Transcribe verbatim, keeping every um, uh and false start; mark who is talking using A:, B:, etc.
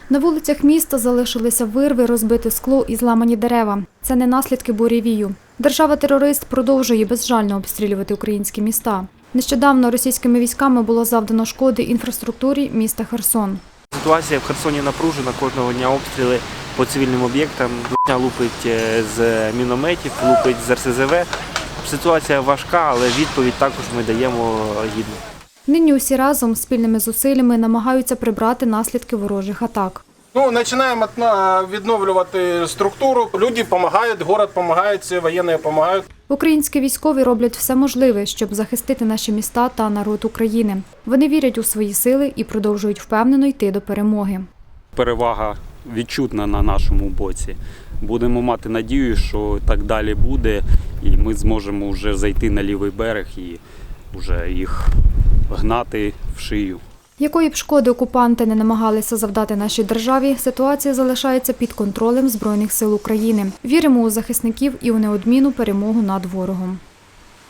A: На вулицях міста залишилися вирви, розбите скло і зламані дерева. Це не наслідки буревію. Держава-терорист продовжує безжально обстрілювати українські міста. Нещодавно російськими військами було завдано шкоди інфраструктурі міста Херсон.
B: Ситуація в Херсоні напружена, кожного дня обстріли по цивільним об'єктам. Дня лупить з мінометів, лупить з ер ес зе ве. Ситуація важка, але відповідь також ми даємо гідну.
A: Нині усі разом спільними зусиллями намагаються прибрати наслідки ворожих атак.
C: Ну, починаємо відновлювати структуру. Люди допомагають, город допомагає, воєнні допомагають.
A: Українські військові роблять все можливе, щоб захистити наші міста та народ України. Вони вірять у свої сили і продовжують впевнено йти до перемоги.
D: Перевага відчутна на нашому боці. Будемо мати надію, що так далі буде, і ми зможемо вже зайти на лівий берег і вже їх гнати в шию.
A: Якої б шкоди окупанти не намагалися завдати нашій державі, ситуація залишається під контролем Збройних сил України. Віримо у захисників і у неодмінну перемогу над ворогом.